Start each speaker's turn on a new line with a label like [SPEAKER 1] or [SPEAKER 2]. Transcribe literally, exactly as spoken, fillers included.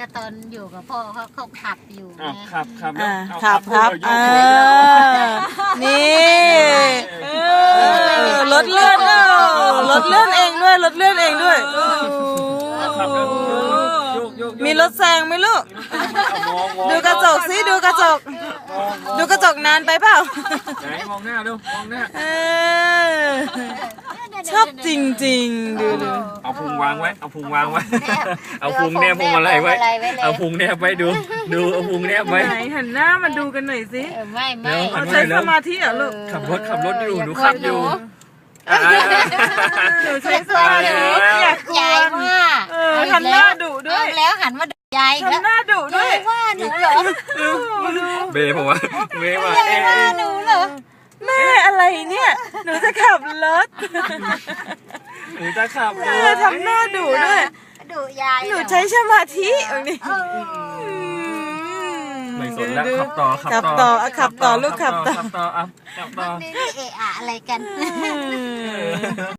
[SPEAKER 1] ก็ตอนอยู่กับพ่อเขาเขาขับอยู่
[SPEAKER 2] อ้าว
[SPEAKER 1] ไง
[SPEAKER 2] ขับขับ
[SPEAKER 3] อ่า
[SPEAKER 2] เอา
[SPEAKER 3] ครับครับ
[SPEAKER 2] พูด
[SPEAKER 3] เอ
[SPEAKER 2] เอาโยกหัว
[SPEAKER 3] อนี่เออรถเลื่อนเออรถเลื่อนเองด้วยรถเลื่อนเองด้วยโอ้โห
[SPEAKER 2] ขับแล้วโยกโยกโยก
[SPEAKER 3] มีรถแซงไหมลูก
[SPEAKER 2] เอามองมอง
[SPEAKER 3] ดูกระจกสิดูกระจก
[SPEAKER 2] มองมอง
[SPEAKER 3] ดูกระจกนานไปเปล่า
[SPEAKER 2] ไหนมองหน้าดูมองหน้า
[SPEAKER 3] เออชอบจริงๆดูดู
[SPEAKER 2] เอาพุงวางไว้เอาพุงวางไว้ เอาพุงแนบพวงมาลัยไว้ เอาพุงแนบไว้ดู ดูเอาพุงแนบไว้
[SPEAKER 3] ไหนหันหน้ามาดูกันหน่อยสิ
[SPEAKER 1] เออไม่ไม่
[SPEAKER 2] เดี๋ยว
[SPEAKER 3] เอาใช้สมาธิเหรอลูก
[SPEAKER 2] ขับรถขับรถอยู่หนูขับอยู่อ่า
[SPEAKER 3] หนูใช้สมาธิอยากก
[SPEAKER 1] ยาย
[SPEAKER 3] วน
[SPEAKER 1] ว่า
[SPEAKER 3] เออหันหน้าดุด้วย
[SPEAKER 1] เอาแล้วหันมาดูยายแล้ว
[SPEAKER 3] ทำหน้าดุด้วย
[SPEAKER 1] ยายว่าหนูเหรอ
[SPEAKER 2] เบย์ผมว่าเบย์ว่า
[SPEAKER 1] ยาย
[SPEAKER 2] เอ๊ะ
[SPEAKER 1] ว่าหนูเหรอ
[SPEAKER 3] แม่อะไรเนี่ย หนูจะขับรถ
[SPEAKER 2] หนูจะขับ
[SPEAKER 3] เออทำหน้าดุด้วย
[SPEAKER 1] ดุยาย
[SPEAKER 3] หนูใช้สมาธิแบบนี้
[SPEAKER 2] ไม่สนแล้วขับต่อ
[SPEAKER 3] ขับต่ออ่ะขับต่อลูกขับต่อ
[SPEAKER 2] ขับต่ออ่ะขับต่อ
[SPEAKER 1] นี่เอะอะอะไรกัน
[SPEAKER 3] อืม